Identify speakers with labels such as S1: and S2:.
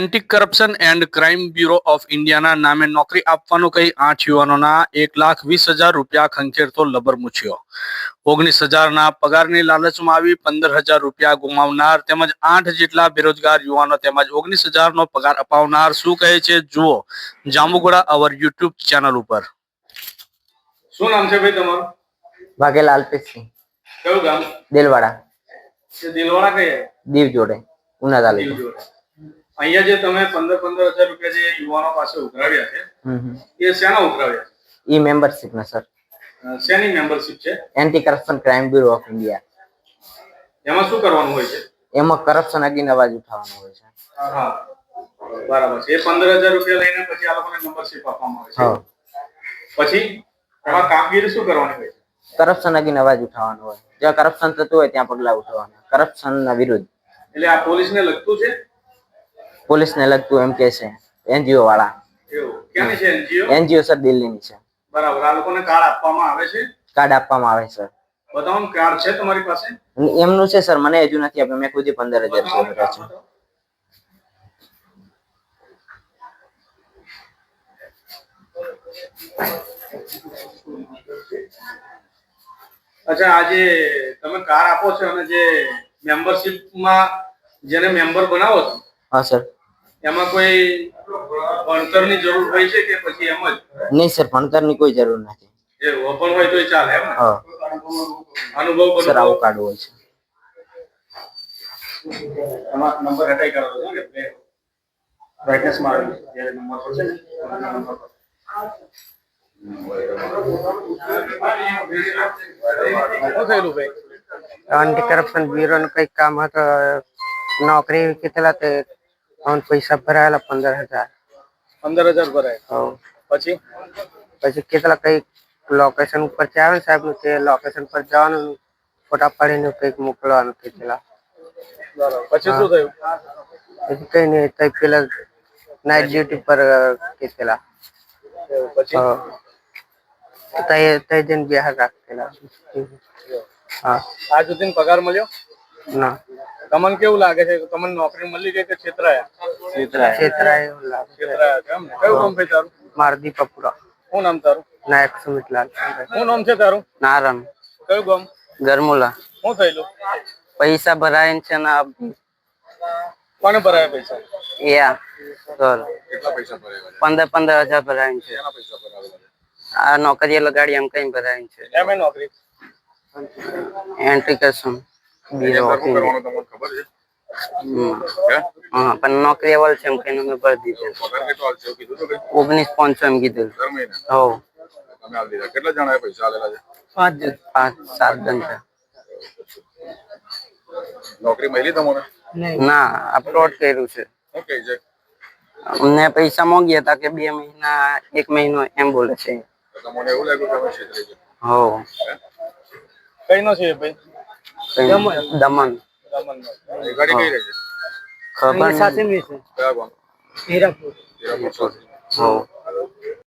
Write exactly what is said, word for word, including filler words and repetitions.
S1: Anti corruption and crime bureau of ઇન્ડિયાના નામે નોકરી આપવાનો કહી આઠ યુવાનોના એક લાખ વીસ હજાર રૂપિયા ખંખેરતો લબર મૂછ્યો. ઓગણીસ હજારના પગારની લાલચમાં આવી પંદર હજાર રૂપિયા ગુમાવનાર તેમજ આઠ જેટલા બેરોજગાર યુવાનો તેમજ ઓગણીસ હજારનો પગાર અપાવનાર શું કહે છે જુઓ જાંબુગોડા અવર યુટ્યુબ ચેનલ ઉપર. શું નામ છે ભાઈ તમારું?
S2: વાઘેલા અલ્પેશસિંહ.
S1: કયું ગામ?
S2: દેલવાડા.
S1: દેલવાડા કઈ?
S2: દીવ જોડે, ઉના તાલુકો.
S1: અહીંયા જે તમે પંદર પંદર હજાર રૂપિયા જે યુવાનો પાસે ઉઘરાવ્યા છે એ શેના ઉઘરાવ્યા છે?
S2: ઈ મેમ્બરશિપ ના સર.
S1: શેની મેમ્બરશિપ છે?
S2: Anti corruption crime bureau of India.
S1: એમાં શું કરવાનું હોય છે?
S2: એમાં કરપ્શન અગેન્સ્ટ અવાજ ઉઠાવવાનો હોય છે.
S1: હા બરાબર છે. એ પંદર હજાર રૂપિયા લઈને પછી આ લોકોને મેમ્બરશિપ આપવામાં આવે છે. પછી એમાં કામગીરી શું કરવાની હોય છે?
S2: કરપ્શન અગેન્સ્ટ અવાજ ઉઠાવવાનો હોય. જ્યાં કરપ્શન થતું હોય ત્યાં પગલા ઉઠાવવાના કરપ્શન ના વિરુદ્ધ.
S1: એટલે આ પોલીસને લગતું છે?
S2: પોલીસ ને લગતું એમ કે છે એનજીઓ વાળા.
S1: એવું ક્યાંની છે એનજીઓ?
S2: એનજીઓ સર દિલ્હીની છે.
S1: બરાબર. આ લોકોને કાર્ડ આપવામાં આવે છે?
S2: કાર્ડ આપવામાં આવે સર.
S1: બતાવો કાર્ડ છે તમારી પાસે?
S2: એમનું છે સર, મને હજુ નથી આપ્યું. મેં ખુદ પંદર હજાર રૂપિયા છે.
S1: અચ્છા, આજે તમે કાર આપો છો અને જે મેમ્બરશિપ માં જેને મેમ્બર બનાવો છો?
S2: હા સર.
S1: એમાં કોઈ ભણતરની જરૂર હોય છે કે પછી એમ જ?
S2: નહીં સર, ભણતરની કોઈ જરૂર નથી.
S1: એ ઓપન હોય તોય ચાલે એમ ને?
S2: હા.
S1: અનુભવ
S2: સર આવું કાર્ડ હોય છે.
S1: એમાં નંબર હટાઈ કરો છો કે પ્લે બ્રાઇટનેસ માં આવે જ્યારે નંબર પડશે ને નંબર પર
S3: एंटी करप्शन ब्यूरो ने कई काम હતો. નોકરી કેટલા તે અન પૈસા ભરાયેલા પંદર હજાર.
S1: પંદર હજાર ભરાય?
S3: હા.
S1: પછી
S3: પછી કેટલા કઈ લોકેશન ઉપર આવે ને સાહેબ, તે લોકેશન પર જવાનું, ફોટા પાડીને કઈક મોકલવાનું કેટલા.
S1: બરાબર. પછી શું થયું?
S3: પછી કઈ નહીં, તઈ પેલા નાઇટ ડ્યુટી પર કેટલા.
S1: પછી
S3: તઈ તઈ જઈને બિહાર રાખેલા. હા.
S1: આજ સુધી પગાર મળ્યો
S3: ના?
S1: તમને કેવું લાગે છે? તમને નોકરી મળી ગઈ કે છેતરાયા?
S3: છેતરાયા. છેતરાયા એવું લાગે.
S1: છેતરાયા કેમ? કયું કામ ભાઈ તારું?
S3: મારદી પપુરા.
S1: શું નામ તારું?
S3: નાયક સુમિતલાલ.
S1: શું નામ છે તારું?
S2: નારણ.
S1: કયું ગામ?
S2: ગરમુલા.
S1: શું થયેલું?
S2: પૈસા ભરાય છે ને.
S1: કોને ભરાયા પૈસા?
S2: યા સર.
S1: કેટલા પૈસા ભરાયા?
S2: પંદર પંદર હજાર ભરાય છે.
S1: કેટલા પૈસા ભરાયા?
S2: આ નોકરી લગાડી એમ કઈ ભરાય છે.
S1: એમ એ નોકરી
S2: એન્ટ્રી કરશું બ્યુરો ઓફ ઇન્ડિયા.
S1: તમને ખબર છે?
S2: હા, પણ નોકરી અવલ છે એમ કહીને મેં ભરી દીધું.
S1: પગાર કેટલો આવશે એવું કીધું તો કઈ?
S2: ઓગણીસ પાંચસો એમ કીધું.
S1: દર મહિને?
S2: હો.
S1: તમે આલી દીધા. કેટલા જણાએ પૈસા આલેલા છે?
S2: પાંચ પાંચ સાત જણ છે.
S1: નોકરી મળી તમને?
S2: ના, અપલોડ કર્યું છે.
S1: શું કહે છે?
S2: અમને પૈસા માંગ્યા હતા કે બે મહિના એક મહિનો એમ બોલે છે.
S1: તમને એવું લાગ્યું કે તમે છેતરી છે?
S2: હો.
S1: કઈ નો છે ભાઈ?
S2: દમણ. દમણ.
S1: એ ગાડી કઈ રહે છે?
S2: ખબર
S3: સાથે મી છે.
S1: કયા ગામ?
S3: હીરાપુર.
S1: હીરાપુર સાથે.
S2: હો.